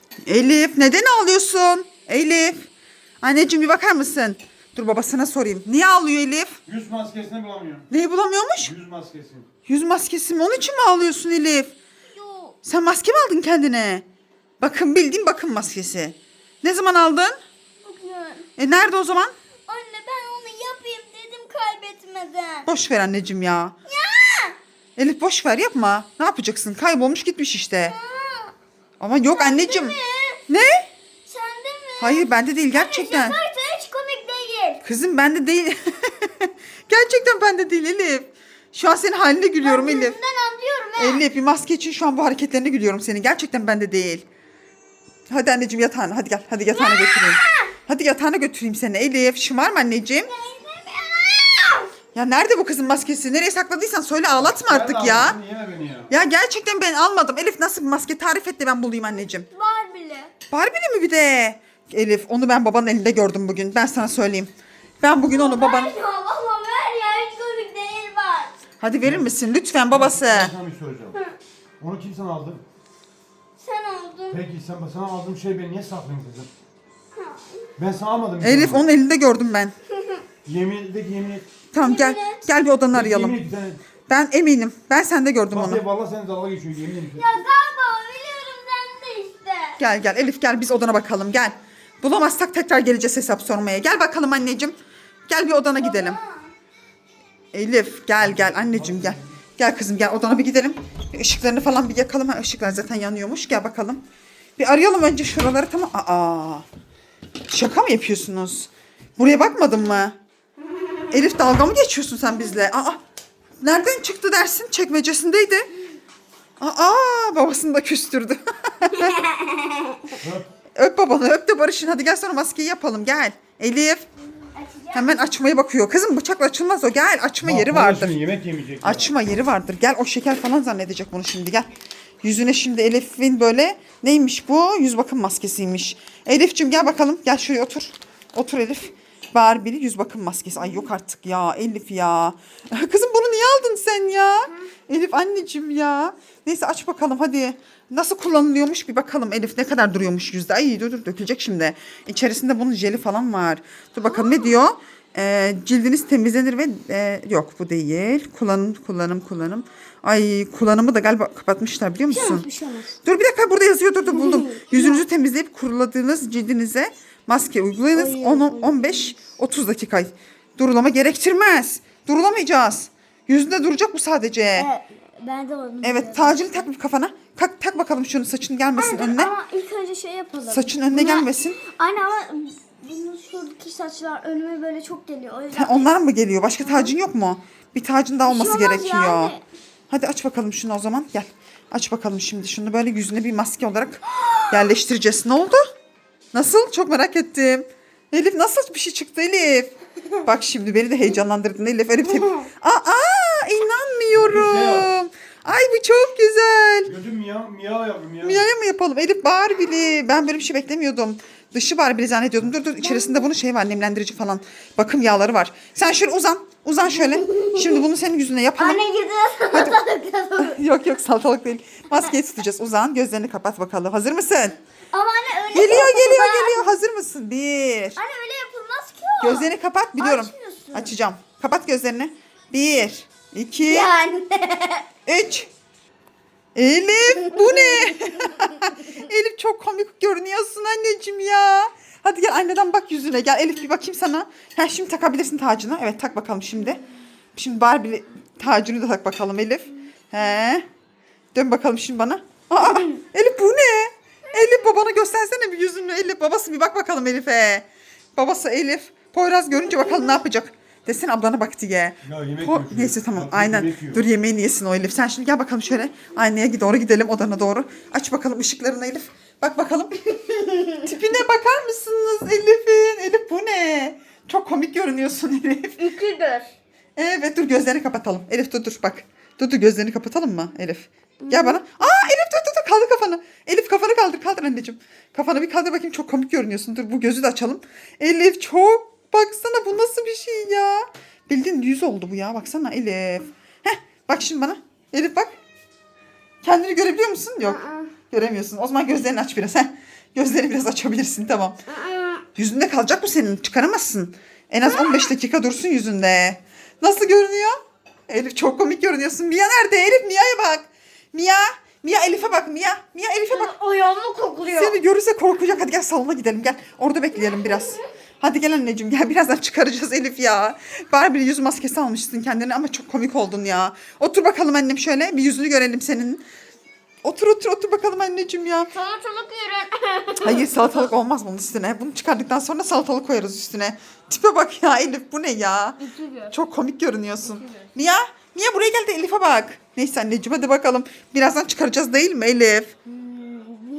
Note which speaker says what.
Speaker 1: Elif neden ağlıyorsun? Elif. Anneciğim bir bakar mısın? Dur babasına sorayım. Niye ağlıyor Elif?
Speaker 2: Yüz maskesini bulamıyor.
Speaker 1: Neyi bulamıyormuş?
Speaker 2: Yüz maskesi.
Speaker 1: Yüz maskesi mi? Onun için mi ağlıyorsun Elif?
Speaker 3: Yok.
Speaker 1: Sen maske mi aldın kendine? Bakın bildiğin bakım maskesi. Ne zaman aldın?
Speaker 3: Bugün.
Speaker 1: Nerede o zaman?
Speaker 3: Anne ben onu yapayım dedim kaybetmeden.
Speaker 1: Boş ver anneciğim ya.
Speaker 3: Ya.
Speaker 1: Elif boş ver yapma. Ne yapacaksın? Kaybolmuş gitmiş işte. Ama yok anneciğim.
Speaker 3: mi?
Speaker 1: Ne?
Speaker 3: Sende mi?
Speaker 1: Hayır bende değil gerçekten.
Speaker 3: Şakaysa hiç komik değil.
Speaker 1: Kızım bende değil. Gerçekten bende değil Elif. Şu an senin haline gülüyorum
Speaker 3: Ben
Speaker 1: Elif.
Speaker 3: yüzünden anlıyorum he.
Speaker 1: Elif bir maske için şu an bu hareketlerine gülüyorum senin. Gerçekten bende değil. Hadi anneciğim yatağına. Hadi gel. Hadi yatağına götüreyim. Hadi yatağına götüreyim seni Elif. Şımarma anneciğim. Ya nerede bu kızın maskesi? Nereye sakladıysan söyle ağlatma artık
Speaker 2: Ben
Speaker 1: ya.
Speaker 2: aldım, yeme beni ya.
Speaker 1: Ya gerçekten ben almadım. Elif nasıl bir maske tarif et de ben bulayım anneciğim.
Speaker 3: Var bile.
Speaker 1: Barbie'li mi bir de? Elif onu ben babanın elinde gördüm bugün. Ben sana söyleyeyim. Ben bugün onu babanın...
Speaker 3: Ver ya baba ver ya hiç komik değil var.
Speaker 1: Hadi verir misin lütfen babası?
Speaker 2: Ben sana bir soracağım. Onu kim sana aldı?
Speaker 3: Sen oldun.
Speaker 2: Peki sana aldığım şey ben niye saklayayım kızım? Ben sana almadım.
Speaker 1: Elif onun elinde gördüm ben.
Speaker 2: Yemin et.
Speaker 1: Tamam gel.
Speaker 3: Yemin et.
Speaker 1: Gel bir odanı arayalım.
Speaker 2: Yemin et bir tane.
Speaker 1: Ben eminim. Ben sende gördüm
Speaker 2: Bak
Speaker 1: onu.
Speaker 2: ya vallahi sen dalga geçiyor yemin ederim.
Speaker 3: Ya galiba biliyorum sen de işte.
Speaker 1: Gel gel Elif gel biz odana bakalım gel. Bulamazsak tekrar geleceğiz hesap sormaya. Gel bakalım anneciğim. Gel bir odana gidelim. Elif gel gel anneciğim gel. Gel kızım gel odana bir gidelim. Bir ışıklarını falan bir yakalım. Ha, ışıklar zaten yanıyormuş. Gel bakalım. Bir arayalım önce şuraları tamam. Aa. Şaka mı yapıyorsunuz? Buraya bakmadın mı? Elif dalga mı geçiyorsun sen bizle? Aa. Nereden çıktı dersin? Çekmecesindeydi. Aa babasını da küstürdü. Öp babanı öp de barışın. Hadi gel sonra maskeyi yapalım gel. Elif.
Speaker 3: Açacağım.
Speaker 1: Hemen açmaya bakıyor. Kızım bıçakla açılmaz o. Gel açma yeri
Speaker 2: Bak,
Speaker 1: vardır.
Speaker 2: şimdi yemek yemeyecek.
Speaker 1: Açma yeri vardır. Gel o şeker falan zannedecek bunu şimdi gel. Yüzüne şimdi Elif'in böyle neymiş bu? Yüz bakım maskesiymiş. Elif'cim gel bakalım. Gel şuraya otur. Otur Elif. Barbie'li yüz bakım maskesi. Ay yok artık ya Elif ya. Kızım bunu niye aldın sen ya? Elif anneciğim ya. Neyse aç bakalım hadi. Nasıl kullanılıyormuş bir bakalım Elif ne kadar duruyormuş yüzde. Ay dur dökülecek şimdi. İçerisinde bunun jeli falan var. Dur bakalım ne diyor? Cildiniz temizlenir ve yok bu değil. Kullanım. Ay kullanımı da galiba kapatmışlar biliyor musun?
Speaker 3: Bir şey olmaz.
Speaker 1: Dur bir dakika burada yazıyor dur buldum. Yüzünüzü temizleyip kuruladığınız cildinize maske uygulayınız. 15-30 dakika. Durulama gerektirmez. Durulamayacağız. Yüzünde duracak bu sadece.
Speaker 3: Evet, ben de onu.
Speaker 1: Evet tacını tak bir kafana. Tak bakalım şunu saçın gelmesin önüne.
Speaker 3: Ama ilk önce şey yapalım.
Speaker 1: Saçın önüne gelmesin.
Speaker 3: Anne ama bunun şuradaki saçlar önüme böyle çok geliyor. O yüzden.
Speaker 1: Ha, onlar mı geliyor? Başka tacın yok mu? Bir tacın daha olması
Speaker 3: olmaz
Speaker 1: gerekiyor.
Speaker 3: yani.
Speaker 1: Hadi aç bakalım şunu o zaman. Gel. Aç bakalım şimdi. Şunu böyle yüzüne bir maske olarak yerleştireceğiz. Ne oldu? Nasıl? Çok merak ettim. Elif nasıl bir şey çıktı Elif? Bak şimdi beni de heyecanlandırdın Elif. Elif inanmıyorum. Ay bu çok güzel.
Speaker 2: Gözüm miyav yavrum ya.
Speaker 1: Mia'ya mı yapalım? Elif Barbie'li. Ben böyle bir şey beklemiyordum. Dışı Barbie'li zannediyordum. Dur içerisinde bunun şey var nemlendirici falan. Bakım yağları var. Sen şöyle uzan. Uzan şöyle. Şimdi bunu senin yüzüne yapalım.
Speaker 3: Anne gidiyor.
Speaker 1: Yok salatalık değil. Maskeyi tutacağız. Uzan. Gözlerini kapat bakalım. Hazır mısın?
Speaker 3: Ama anne öyle
Speaker 1: Geliyor.
Speaker 3: yapılmaz.
Speaker 1: Hazır mısın? 1.
Speaker 3: Anne öyle yapılmaz ki o.
Speaker 1: Gözlerini kapat. Biliyorum.
Speaker 3: Açmıyorsun.
Speaker 1: Açacağım. Kapat gözlerini. 1, 2,
Speaker 3: Yani.
Speaker 1: 3. Elif bu ne? Elif çok komik görünüyorsun anneciğim ya. Hadi gel anneden bak yüzüne. Gel Elif bir bakayım sana. Ha, şimdi takabilirsin tacını. Evet tak bakalım şimdi. Şimdi Barbie tacını da tak bakalım Elif. He. Dön bakalım şimdi bana. Aa, Elif bu ne? Elif babana göstersene bir yüzünü. Elif babası bir bak bakalım Elif'e. Babası Elif. Poyraz görünce bakalım ne yapacak. Desene ablana bak diye.
Speaker 2: Ya yemek yiyor çocuk.
Speaker 1: Neyse tamam
Speaker 2: Bak,
Speaker 1: aynen.
Speaker 2: yemek yiyor.
Speaker 1: Dur yemeğini yesin o Elif. Sen şimdi gel bakalım şöyle. Aynaya doğru gidelim odana doğru. Aç bakalım ışıklarını Elif. Bak bakalım. Tipine bakar mısınız Elif'in? Elif bu ne? Çok komik görünüyorsun Elif.
Speaker 3: Üküdür.
Speaker 1: Evet dur gözlerini kapatalım. Elif dur bak. Dur gözlerini kapatalım mı Elif? Gel bana. Aa Elif dur kaldır kafanı. Elif kafanı kaldır anneciğim. Kafanı bir kaldır bakayım çok komik görünüyorsun. Dur bu gözü de açalım. Elif çok baksana bu nasıl bir şey ya. Bildiğin yüz oldu bu ya baksana Elif. Heh bak şimdi bana. Elif bak. Kendini görebiliyor musun? Yok. Göremiyorsun. O zaman gözlerini aç biraz. Heh. Gözlerini biraz açabilirsin tamam. Yüzünde kalacak bu senin. Çıkaramazsın. En az 15 dakika dursun yüzünde. Nasıl görünüyor? Elif çok komik görünüyorsun. Mia nerede? Elif Mia'ya bak. Mia. Mia Elif'e bak Mia. Mia Elif'e bak.
Speaker 3: Ayağımı kokluyor.
Speaker 1: Seni görürse korkacak. Hadi gel salona gidelim gel. Orada bekleyelim biraz. Hadi gel anneciğim gel. Birazdan çıkaracağız Elif ya. Barbie yüz maskesi almışsın kendine ama çok komik oldun ya. Otur bakalım annem şöyle. Bir yüzünü görelim senin. Otur bakalım anneciğim ya.
Speaker 3: Salatalık yiyorum.
Speaker 1: Hayır salatalık olmaz bunun üstüne. Bunu çıkardıktan sonra salatalık koyarız üstüne. Tipe bak ya Elif bu ne ya? Çok komik görünüyorsun. Mia buraya gel de Elif'e bak. Neyse anneciğim hadi bakalım. Birazdan çıkaracağız değil mi Elif?